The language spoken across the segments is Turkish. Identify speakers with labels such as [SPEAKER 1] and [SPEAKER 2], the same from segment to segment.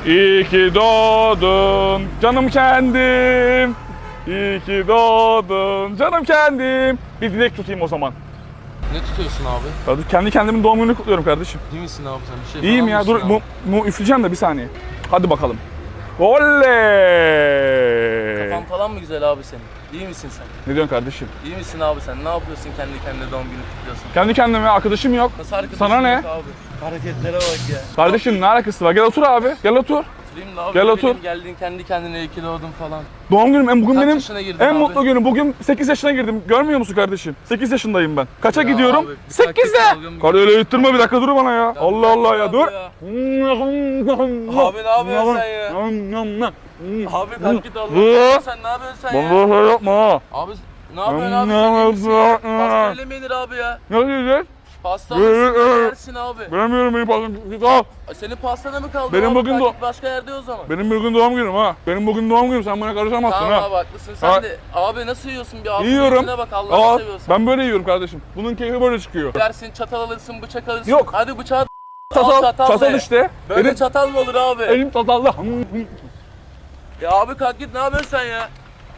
[SPEAKER 1] İyi ki doğdun canım kendim. İyi ki doğdun canım kendim. Bir dilek tutayım o zaman.
[SPEAKER 2] Ne tutuyorsun abi?
[SPEAKER 1] Hadi kendi kendimin doğum gününü kutluyorum kardeşim.
[SPEAKER 2] İyi misin abi sen? Bir şey
[SPEAKER 1] İyiyim
[SPEAKER 2] falan
[SPEAKER 1] ya, dur
[SPEAKER 2] mısın abi?
[SPEAKER 1] üfleyeceğim de bir saniye. Hadi bakalım. Oley!
[SPEAKER 2] Kafan falan mı güzel abi senin? İyi misin sen?
[SPEAKER 1] Ne diyorsun kardeşim?
[SPEAKER 2] İyi misin abi sen? Ne yapıyorsun kendi kendine doğum günü kutluyorsun?
[SPEAKER 1] Kendi kendime arkadaşım yok.
[SPEAKER 2] Nasıl arkadaşın
[SPEAKER 1] Sana ne?
[SPEAKER 2] yok abi? Hareketlere bak ya.
[SPEAKER 1] Kardeşim ne alakası var? Gel otur abi. Gel otur.
[SPEAKER 2] Oturayım da abi.
[SPEAKER 1] Gel
[SPEAKER 2] ne
[SPEAKER 1] otur.
[SPEAKER 2] bileyim, geldin kendi kendine iyi ki doğdun falan.
[SPEAKER 1] Doğum günüm bugün
[SPEAKER 2] Kaç
[SPEAKER 1] benim
[SPEAKER 2] yaşına girdin
[SPEAKER 1] en
[SPEAKER 2] abi?
[SPEAKER 1] mutlu günüm. Bugün 8 yaşına girdim. Görmüyor musun kardeşim? 8 yaşındayım ben. Kaça
[SPEAKER 2] Ya
[SPEAKER 1] gidiyorum?
[SPEAKER 2] abi, bir sakin
[SPEAKER 1] 8'de.
[SPEAKER 2] dalgın
[SPEAKER 1] Karı öyle yutturma, bir dakika dur bana ya. Allah Allah ya,
[SPEAKER 2] abi
[SPEAKER 1] dur.
[SPEAKER 2] ya. Abi ne yapıyorsun sen ya? Abi kalk git Allah'ım. Sen ne yapıyorsun sen ya?
[SPEAKER 1] Vallahi yapma ha.
[SPEAKER 2] Abi ne yapıyorsun abi sen? İyi misin ya? Pasta öyle mi yenir abi ya?
[SPEAKER 1] Ne diyeceğiz?
[SPEAKER 2] Pasta alırsın yersin abi.
[SPEAKER 1] Vermiyorum benim pastam.
[SPEAKER 2] Senin pastana mı kaldı
[SPEAKER 1] Benim
[SPEAKER 2] abi?
[SPEAKER 1] bugün
[SPEAKER 2] Kalk git başka yerde o zaman.
[SPEAKER 1] Benim bugün doğum günüm ha. Benim bugün doğum günüm, sen bana karışamazsın
[SPEAKER 2] Tamam
[SPEAKER 1] ha.
[SPEAKER 2] abi haklısın sen
[SPEAKER 1] Ha.
[SPEAKER 2] de. Abi nasıl yiyorsun bir ağzına
[SPEAKER 1] Yiyorum.
[SPEAKER 2] yüzüne bak Allah'ını seviyorsan.
[SPEAKER 1] Ben böyle yiyorum kardeşim. Bunun keyfi böyle çıkıyor.
[SPEAKER 2] Dersin çatal alırsın bıçak alırsın.
[SPEAKER 1] Yok.
[SPEAKER 2] Hadi bıçağı
[SPEAKER 1] Çatal
[SPEAKER 2] ne?
[SPEAKER 1] işte.
[SPEAKER 2] Böyle çatal mı olur abi?
[SPEAKER 1] Elim çatallı.
[SPEAKER 2] Ya abi kalk git ne yapıyorsun sen ya?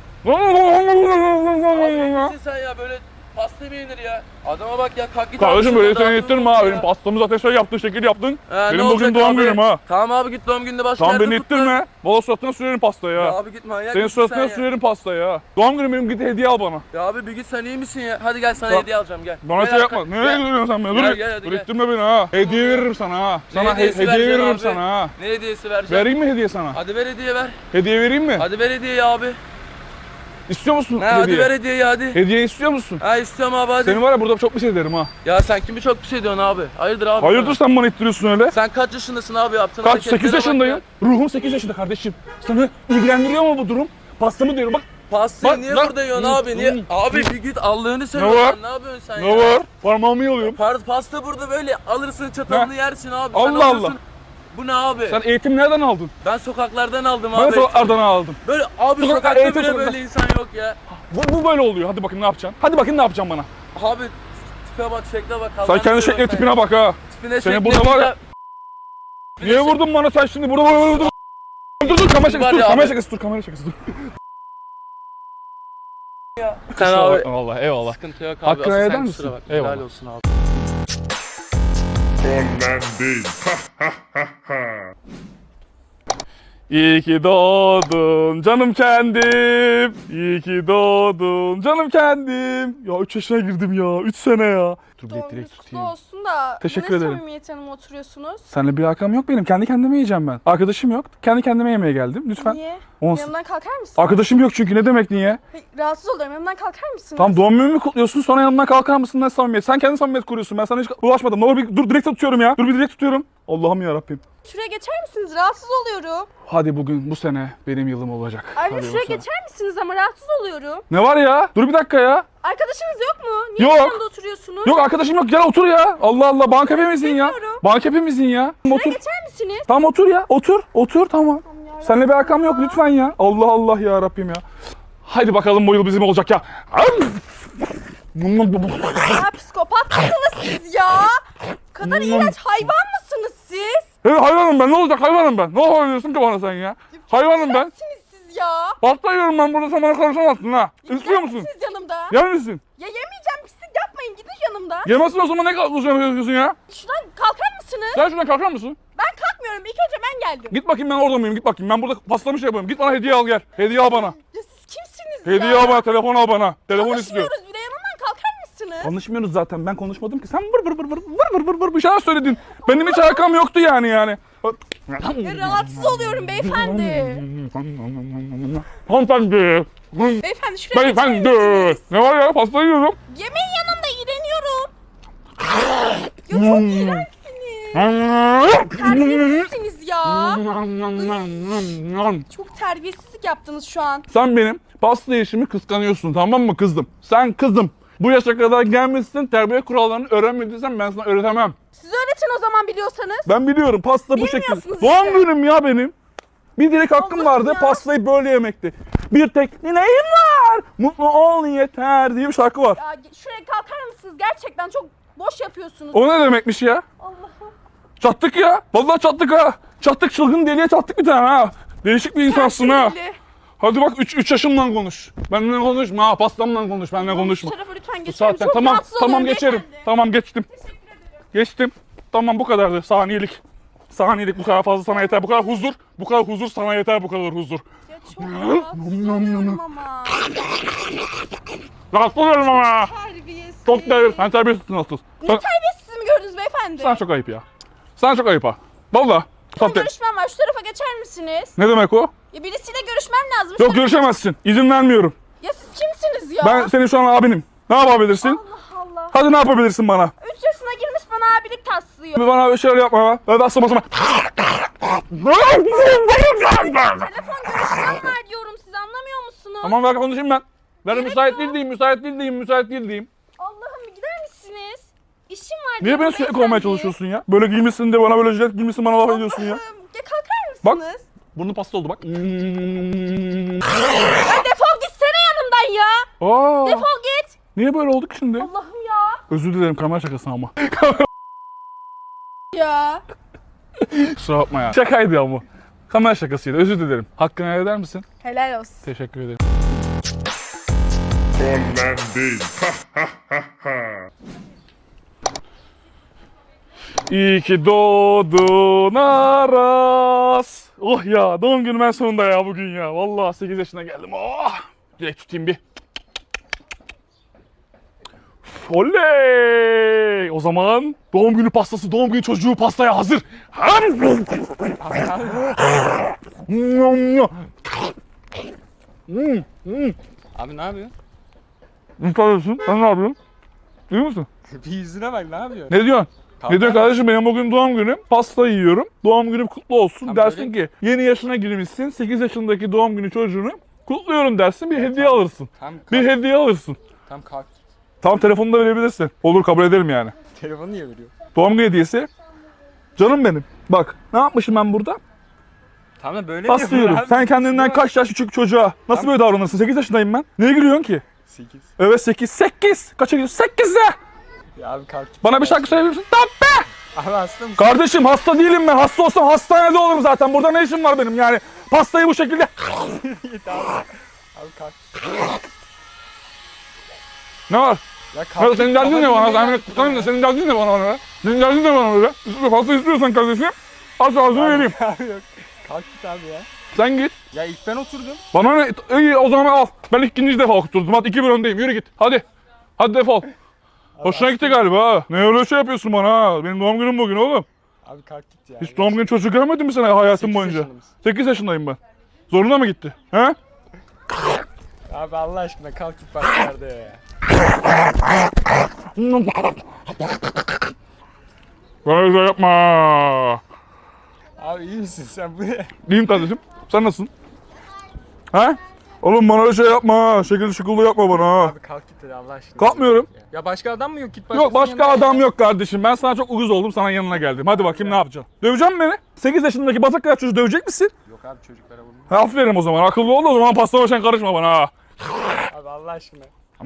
[SPEAKER 2] Abi nesin sen ya böyle pasta mı yenir ya? Adama bak ya kalk git.
[SPEAKER 1] Kardeşim
[SPEAKER 2] abi
[SPEAKER 1] böyle
[SPEAKER 2] şuradan,
[SPEAKER 1] seni
[SPEAKER 2] abi,
[SPEAKER 1] ittirme
[SPEAKER 2] dur
[SPEAKER 1] ha.
[SPEAKER 2] ya.
[SPEAKER 1] Benim pastamızı ateşle yaptın, şekil yaptın.
[SPEAKER 2] Ne
[SPEAKER 1] Benim bugün
[SPEAKER 2] olacak
[SPEAKER 1] doğum
[SPEAKER 2] abi?
[SPEAKER 1] günüm ha.
[SPEAKER 2] Tamam abi git doğum gününde başka
[SPEAKER 1] Tamam
[SPEAKER 2] yerde
[SPEAKER 1] beni
[SPEAKER 2] kutla.
[SPEAKER 1] ittirme. Valla suratına sürerim pastayı
[SPEAKER 2] Ya
[SPEAKER 1] ya.
[SPEAKER 2] abi git manyak
[SPEAKER 1] Senin
[SPEAKER 2] mısın
[SPEAKER 1] suratına
[SPEAKER 2] sen ya?
[SPEAKER 1] sürerim pastayı ya. Doğum günüm benim, git hediye al bana.
[SPEAKER 2] Ya abi bir git sen iyi misin ya? Hadi gel sana
[SPEAKER 1] Bak,
[SPEAKER 2] hediye alacağım gel.
[SPEAKER 1] Bana
[SPEAKER 2] Gel
[SPEAKER 1] şey
[SPEAKER 2] arka-
[SPEAKER 1] yapma. Nereye
[SPEAKER 2] gel.
[SPEAKER 1] gidiyorsun sen beni?
[SPEAKER 2] Gel,
[SPEAKER 1] Dur.
[SPEAKER 2] gel, hadi
[SPEAKER 1] Dur
[SPEAKER 2] gel.
[SPEAKER 1] ittirme beni ha. Hediye veririm sana ha. Sana
[SPEAKER 2] hediyesi
[SPEAKER 1] hediye
[SPEAKER 2] vereceksin
[SPEAKER 1] veririm
[SPEAKER 2] abi?
[SPEAKER 1] sana ha.
[SPEAKER 2] Ne hediyesi vereceğim?
[SPEAKER 1] Vereyim mi hediye sana?
[SPEAKER 2] Hadi ver hediye ver.
[SPEAKER 1] Hediye vereyim mi?
[SPEAKER 2] Hadi ver hediyeyi abi.
[SPEAKER 1] İstiyor musun
[SPEAKER 2] Ha, hadi
[SPEAKER 1] hediye?
[SPEAKER 2] ver hediyeyi hadi.
[SPEAKER 1] Hediye istiyor musun?
[SPEAKER 2] Ha istiyorum abi hadi.
[SPEAKER 1] Seni var ya burada çok bir şey derim ha.
[SPEAKER 2] Ya sen kimi çok pis ediyorsun abi? Hayırdır abi?
[SPEAKER 1] Hayırdır sen bana ittiriyorsun öyle?
[SPEAKER 2] Sen kaç yaşındasın abi yaptığın
[SPEAKER 1] Kaç?
[SPEAKER 2] hareketlere
[SPEAKER 1] 8
[SPEAKER 2] bak
[SPEAKER 1] yaşındayım.
[SPEAKER 2] ya.
[SPEAKER 1] Ruhum 8 yaşında kardeşim. Sana ilgilendiriyor mu bu durum? Pastamı diyorum bak.
[SPEAKER 2] Pastayı
[SPEAKER 1] Bak,
[SPEAKER 2] niye
[SPEAKER 1] lan.
[SPEAKER 2] burada yiyorsun abi? Niye? Abi bir git Allah'ını
[SPEAKER 1] var?
[SPEAKER 2] seviyorsan ne yapıyorsun sen
[SPEAKER 1] Ne
[SPEAKER 2] ya?
[SPEAKER 1] var? Parmağımı yalıyorum.
[SPEAKER 2] Pasta burada böyle alırsın çatalını yersin abi. Sen
[SPEAKER 1] Allah
[SPEAKER 2] alıyorsun.
[SPEAKER 1] Allah.
[SPEAKER 2] Bu ne abi?
[SPEAKER 1] Sen eğitim nereden aldın?
[SPEAKER 2] Ben sokaklardan aldım
[SPEAKER 1] Ben
[SPEAKER 2] abi.
[SPEAKER 1] sokaklardan aldım.
[SPEAKER 2] Böyle abi
[SPEAKER 1] Sokak-
[SPEAKER 2] sokakta
[SPEAKER 1] eğitim
[SPEAKER 2] bile
[SPEAKER 1] sokakta.
[SPEAKER 2] böyle insan yok ya.
[SPEAKER 1] Bu böyle oluyor. Hadi bakayım ne yapacaksın? Hadi bakayım ne yapacaksın bana?
[SPEAKER 2] Abi tipe bak şekle bak.
[SPEAKER 1] Sen
[SPEAKER 2] Allah'ını
[SPEAKER 1] kendi
[SPEAKER 2] seviyorsan
[SPEAKER 1] şekline
[SPEAKER 2] ya.
[SPEAKER 1] tipine bak ha.
[SPEAKER 2] Tipine
[SPEAKER 1] Seni
[SPEAKER 2] şekline
[SPEAKER 1] burada var ya.
[SPEAKER 2] bak.
[SPEAKER 1] Niye vurdun bana sen şimdi? Burada dur. Dur kamera şakası
[SPEAKER 2] Var
[SPEAKER 1] dur.
[SPEAKER 2] ya
[SPEAKER 1] Kamera
[SPEAKER 2] abi.
[SPEAKER 1] şakası dur. Kamera şakası dur.
[SPEAKER 2] Sen abi.
[SPEAKER 1] Eyvallah eyvallah.
[SPEAKER 2] Sıkıntı yok abi.
[SPEAKER 1] Hakkını
[SPEAKER 2] Asıl
[SPEAKER 1] eder
[SPEAKER 2] sen
[SPEAKER 1] misin?
[SPEAKER 2] kusura bak.
[SPEAKER 1] Eyvallah.
[SPEAKER 2] Helal olsun abi.
[SPEAKER 3] Ondan değil.
[SPEAKER 1] İyi ki doğdun canım kendim. İyi ki doğdun canım kendim. Ya 3 yaşına girdim ya. 3 sene ya. Dur
[SPEAKER 4] Doğum
[SPEAKER 1] direkt
[SPEAKER 4] gününüz kutlu
[SPEAKER 1] tutayım.
[SPEAKER 4] olsun da
[SPEAKER 1] Teşekkür
[SPEAKER 4] ne
[SPEAKER 1] ederim.
[SPEAKER 4] samimiyet hanım oturuyorsunuz?
[SPEAKER 1] Seninle bir alakam yok benim. Kendi kendime yiyeceğim ben. Arkadaşım yok. Kendi kendime yemeye geldim. Lütfen.
[SPEAKER 4] Niye?
[SPEAKER 1] Olsun.
[SPEAKER 4] Yanımdan kalkar mısınız?
[SPEAKER 1] Arkadaşım yok çünkü. Ne demek niye?
[SPEAKER 4] Hayır, rahatsız oluyorum. Yanımdan kalkar mısınız?
[SPEAKER 1] Tamam doğum günümü kutluyorsun, sonra yanımdan kalkar mısın? Ne samimiyet? Sen kendi samimiyet kuruyorsun. Ben sana hiç ulaşmadım. Ne olur bir dur, direkt tutuyorum ya. Dur bir direkt tutuyorum. Allah'ım ya Rabbim.
[SPEAKER 4] Şuraya geçer misiniz? Rahatsız oluyorum.
[SPEAKER 1] Hadi bugün bu sene benim yılım olacak.
[SPEAKER 4] Ayrıca
[SPEAKER 1] Hadi
[SPEAKER 4] şuraya
[SPEAKER 1] bu sene.
[SPEAKER 4] geçer misiniz ama rahatsız oluyorum.
[SPEAKER 1] Ne var ya? Dur bir dakika ya.
[SPEAKER 4] Arkadaşınız yok mu? Niye
[SPEAKER 1] Yok.
[SPEAKER 4] yanımda oturuyorsunuz?
[SPEAKER 1] Yok arkadaşım yok. Gel otur ya. Allah Allah. Banka hepimizin ya.
[SPEAKER 4] istemiyorum.
[SPEAKER 1] Banka hepimizin ya.
[SPEAKER 4] Şuraya
[SPEAKER 1] Otur.
[SPEAKER 4] geçer misiniz?
[SPEAKER 1] Tamam otur ya. Otur. Otur tamam.
[SPEAKER 4] ya
[SPEAKER 1] Seninle bir alakam yok lütfen ya. Allah Allah ya Rabbim ya. Haydi bakalım bu yıl bizim olacak ya.
[SPEAKER 4] Ya psikopat mısınız siz ya? Bu kadar iğrenç hayvan mısınız siz?
[SPEAKER 1] Hayvanım ben. Ne olacak hayvanım ben. Ne yapıyorsun ki bana sen ya? Hayvanım ben.
[SPEAKER 4] Kimsiniz siz ya?
[SPEAKER 1] Pasta yiyorum ben burada, sen bana karışamazsın ha. İstiyor musun?
[SPEAKER 4] Siz yanımda.
[SPEAKER 1] Yer misin?
[SPEAKER 4] Ya yemeyeceğim, pislik yapmayın, gidin yanımda.
[SPEAKER 1] Yemezsin o zaman, ne yapıyorsun ya?
[SPEAKER 4] Şuradan kalkar mısınız?
[SPEAKER 1] Sen şuradan kalkar mısın?
[SPEAKER 4] Ben kalkmıyorum, ilk önce ben geldim.
[SPEAKER 1] Git bakayım, ben orada mıyım? Git bakayım, ben burada pastamış yapıyorum. Git bana hediye al gel. Hediye al bana.
[SPEAKER 4] Ya siz kimsiniz
[SPEAKER 1] Hediye
[SPEAKER 4] ya?
[SPEAKER 1] al bana, telefon al bana. Telefon istiyor.
[SPEAKER 4] Konuşmuyoruz bile, yanımdan kalkar mısınız?
[SPEAKER 1] Konuşmuyoruz zaten, ben konuşmadım ki. Sen vır bir şeyler söyledin. Benim hiç alakam yoktu yani.
[SPEAKER 4] Ya rahatsız oluyorum beyefendi.
[SPEAKER 1] Hanımefendi.
[SPEAKER 4] Beyefendi şuraya
[SPEAKER 1] Beyefendi.
[SPEAKER 4] geçer misiniz?
[SPEAKER 1] Ne var ya, pasta yiyorum.
[SPEAKER 4] Yemeğin yanında iğreniyorum. Ya çok iğrençsiniz. Terbiyesizsiniz ya. Çok terbiyesizlik yaptınız şu an.
[SPEAKER 1] Sen benim pasta yiyişimi kıskanıyorsun, tamam mı kızım? Sen kızım. Bu yaşa kadar gelmişsin, terbiye kurallarını öğrenmediysen ben sana öğretemem.
[SPEAKER 4] Siz öğretin o zaman biliyorsanız.
[SPEAKER 1] Ben biliyorum, pasta bu şekilde.
[SPEAKER 4] Bilmiyorsunuz
[SPEAKER 1] Doğum
[SPEAKER 4] işte.
[SPEAKER 1] günüm ya benim. Bir dilek hakkım
[SPEAKER 4] Allah'ım
[SPEAKER 1] vardı,
[SPEAKER 4] ya.
[SPEAKER 1] pastayı böyle yemekti. Bir tek dileğim var, mutlu ol yeter diye bir şarkı var.
[SPEAKER 4] Ya şuraya kalkar mısınız? Gerçekten çok boş yapıyorsunuz.
[SPEAKER 1] O ne demekmiş ya?
[SPEAKER 4] Allah'ım.
[SPEAKER 1] Çattık ya, vallahi çattık ha. Çattık, çılgın deliye çattık bir tane ha. Değişik bir insansın ha.
[SPEAKER 4] Deli.
[SPEAKER 1] Hadi bak 3 yaşımla konuş. Benimle konuşma ha, pastamla konuş, benimle konuşma.
[SPEAKER 4] Bu tarafa lütfen
[SPEAKER 1] Bu
[SPEAKER 4] geçelim.
[SPEAKER 1] saatten
[SPEAKER 4] Çok
[SPEAKER 1] tamam,
[SPEAKER 4] rahatsız
[SPEAKER 1] tamam
[SPEAKER 4] oluyorum
[SPEAKER 1] geçerim.
[SPEAKER 4] beyefendi.
[SPEAKER 1] Tamam geçtim.
[SPEAKER 4] Teşekkür ederim.
[SPEAKER 1] Geçtim. Tamam bu kadardı, saniyelik. Saniyelik, bu kadar fazla sana yeter, bu kadar huzur. Bu kadar huzur sana yeter, bu kadar huzur.
[SPEAKER 4] Ya çok rahatsız oluyorum ama.
[SPEAKER 1] Rahatsız oluyorum ama.
[SPEAKER 4] Terbiyesiz.
[SPEAKER 1] Çok değerli. Sen terbiyesizsin asıl.
[SPEAKER 4] Ne
[SPEAKER 1] Sen,
[SPEAKER 4] terbiyesiz mi gördünüz beyefendi?
[SPEAKER 1] sen çok ayıp ya. Sen çok ayıp ha. Valla.
[SPEAKER 4] Benim görüşmem var. Şu tarafa geçer misiniz?
[SPEAKER 1] Ne demek o?
[SPEAKER 4] Ya birisiyle görüşmem lazım.
[SPEAKER 1] Yok görüşemezsin. İzin vermiyorum.
[SPEAKER 4] Ya siz kimsiniz ya?
[SPEAKER 1] Ben senin şu an abinim. Ne yapabilirsin?
[SPEAKER 4] Allah Allah.
[SPEAKER 1] Hadi ne yapabilirsin bana?
[SPEAKER 4] 3 yaşına girmiş bana abilik taslıyor.
[SPEAKER 1] Bana bir şeyler yapma. Ben asma asma.
[SPEAKER 4] Telefon görüşmem var diyorum, siz anlamıyor musunuz?
[SPEAKER 1] Tamam ver konuşayım ben. Ver müsait değil diyeyim, müsait değil diyeyim, müsait değil diyeyim.
[SPEAKER 4] Allah'ım bir gider misiniz? İşim var
[SPEAKER 1] Niye
[SPEAKER 4] diyorum
[SPEAKER 1] beni sürekli
[SPEAKER 4] beyefendi.
[SPEAKER 1] kovmaya çalışıyorsun ya? Böyle giymişsin de bana böyle jilet giymişsin, bana laf ediyorsun ya.
[SPEAKER 4] Allah'ım, ya kalkar
[SPEAKER 1] Bak.
[SPEAKER 4] mısınız?
[SPEAKER 1] Burnu pasta oldu bak.
[SPEAKER 4] Ya defol gitsene yanımdan ya.
[SPEAKER 1] Aa,
[SPEAKER 4] Defol git.
[SPEAKER 1] niye böyle olduk şimdi?
[SPEAKER 4] Allah'ım ya.
[SPEAKER 1] Özür dilerim, kamera şakası ama.
[SPEAKER 4] Ya.
[SPEAKER 1] Kusura bakma ya. Şakaydı ama. Kamera şakasıydı, özür dilerim. Hakkını helal eder misin?
[SPEAKER 4] Helal olsun.
[SPEAKER 1] Teşekkür ederim.
[SPEAKER 3] Ondan değil.
[SPEAKER 1] İyi ki doğdun Aras. Oh ya, doğum günüm en sonunda ya bugün ya. Vallahi 8 yaşına geldim. Oh! Direkt tutayım bir. Oley! O zaman doğum günü pastası, doğum günü çocuğu pastaya hazır.
[SPEAKER 2] Abi ne yapıyorsun?
[SPEAKER 1] Ne yapıyorsun? Sen ne yapıyorsun? Duyuyor musun?
[SPEAKER 2] Bir yüzüne bak, ne yapıyorsun?
[SPEAKER 1] Ne diyorsun?
[SPEAKER 2] Kavga
[SPEAKER 1] Ne diyor kardeşim, benim bugün doğum günüm. Pasta yiyorum. Doğum günüm kutlu olsun.
[SPEAKER 2] Tam
[SPEAKER 1] Dersin ki yeni yaşına girmişsin. 8 yaşındaki doğum günü çocuğunu kutluyorum dersin. Bir hediye alırsın.
[SPEAKER 2] Tam
[SPEAKER 1] Bir hediye alırsın.
[SPEAKER 2] Tam kalk.
[SPEAKER 1] Tam telefonunu da verebilirsin. Olur, kabul ederim yani.
[SPEAKER 2] Telefonu niye veriyor?
[SPEAKER 1] Doğum günü hediyesi. Canım benim. Bak ne yapmışım ben burada?
[SPEAKER 2] Tamam da böyle
[SPEAKER 1] Pasta yiyorum. Sen kendinden kaç yaş küçük çocuğa nasıl böyle davranırsın? 8 yaşındayım ben. Niye gülüyorsun ki?
[SPEAKER 2] 8.
[SPEAKER 1] Evet 8. 8. Kaça gidiyorsun? 8'de.
[SPEAKER 2] Ya abi kalk.
[SPEAKER 1] Bana bir şarkı söyleyebilir misin? Tamam be.
[SPEAKER 2] Abi hasta mısın?
[SPEAKER 1] Kardeşim hasta değilim ben. Hasta olsam hastanede olurum zaten. Burada ne işim var benim yani? Pastayı bu şekilde...
[SPEAKER 2] Abi kalk.
[SPEAKER 1] Ne var?
[SPEAKER 2] Ya
[SPEAKER 1] Ya
[SPEAKER 2] kalk.
[SPEAKER 1] senin derdin ne bana?
[SPEAKER 2] Kafanı
[SPEAKER 1] Senin derdin ne bana be? Senin derdin ne bana böyle? Pasta istiyorsan kardeşim aç ağzını vereyim.
[SPEAKER 2] Abi yok. Kalk git abi ya.
[SPEAKER 1] Sen git.
[SPEAKER 2] Ya ilk ben oturdum.
[SPEAKER 1] Bana ne? İyi o zaman al. Ben ikinci defa oturdum. Hadi 2-1 öndeyim. Yürü git. Hadi. Hadi defol. Hoşuna gitti galiba ha. Ne öyle şey yapıyorsun bana ha? Benim doğum günüm bugün oğlum.
[SPEAKER 2] Abi kalk git ya.
[SPEAKER 1] Hiç doğum günü çocuğu görmedin mi sen hayatın
[SPEAKER 2] 8
[SPEAKER 1] boyunca?
[SPEAKER 2] yaşında mısın?
[SPEAKER 1] 8 yaşındayım ben. Zoruna mı gitti? He?
[SPEAKER 2] Abi Allah aşkına kalk git başka yerde ya.
[SPEAKER 1] Böyle şey yapma.
[SPEAKER 2] Abi iyi misin sen bu ne?
[SPEAKER 1] İyiyim kardeşim. Sen nasılsın? He? Oğlum bana öyle şey yapma. Şekil şıkıllı yapma bana ha.
[SPEAKER 2] Abi kalk git hadi Allah aşkına.
[SPEAKER 1] Kalkmıyorum.
[SPEAKER 2] Ya başka adam mı yok? Git
[SPEAKER 1] Yok başka
[SPEAKER 2] yanına
[SPEAKER 1] adam
[SPEAKER 2] ya.
[SPEAKER 1] yok kardeşim. Ben sana çok uyuz oldum. Sana yanına geldim. Hadi bakayım ne yapacaksın? Dövecek misin beni? 8 yaşındaki batak kadar çocuğu dövecek misin?
[SPEAKER 2] Yok abi çocuklara vurma.
[SPEAKER 1] Ha, aferin o zaman. Akıllı ol da o zaman pastama sen karışma bana ha.
[SPEAKER 2] Abi Allah aşkına.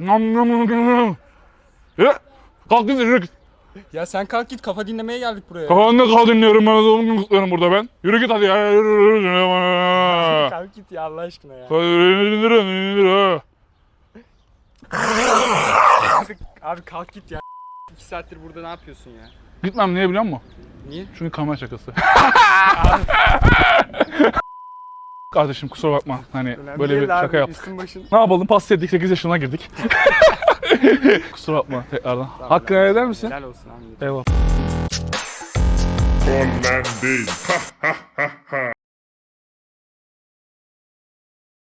[SPEAKER 1] Ya, kalk git yürü git.
[SPEAKER 2] Ya sen kalk git, kafa dinlemeye geldik buraya.
[SPEAKER 1] Kafanda kal dinliyorum ben. Doğum günü kutluyorum burada ben. Yürü git hadi ya. Yürü.
[SPEAKER 2] Kalk git ya Allah aşkına ya. Abi kalk git ya. 2 saattir burada ne yapıyorsun ya?
[SPEAKER 1] Gitmem niye biliyor musun?
[SPEAKER 2] Niye?
[SPEAKER 1] Çünkü kamera şakası. Kardeşim kusura bakma. Hani
[SPEAKER 2] Önemli
[SPEAKER 1] böyle
[SPEAKER 2] değil
[SPEAKER 1] bir
[SPEAKER 2] abi,
[SPEAKER 1] şaka yaptık.
[SPEAKER 2] Üstün başın.
[SPEAKER 1] Ne yapalım? Pasta yedik 8 yaşına girdik. Kusura bakma tekrardan. Hakkını helal eder misin?
[SPEAKER 2] Helal olsun abi.
[SPEAKER 1] Eyvallah.
[SPEAKER 3] Ondan değil.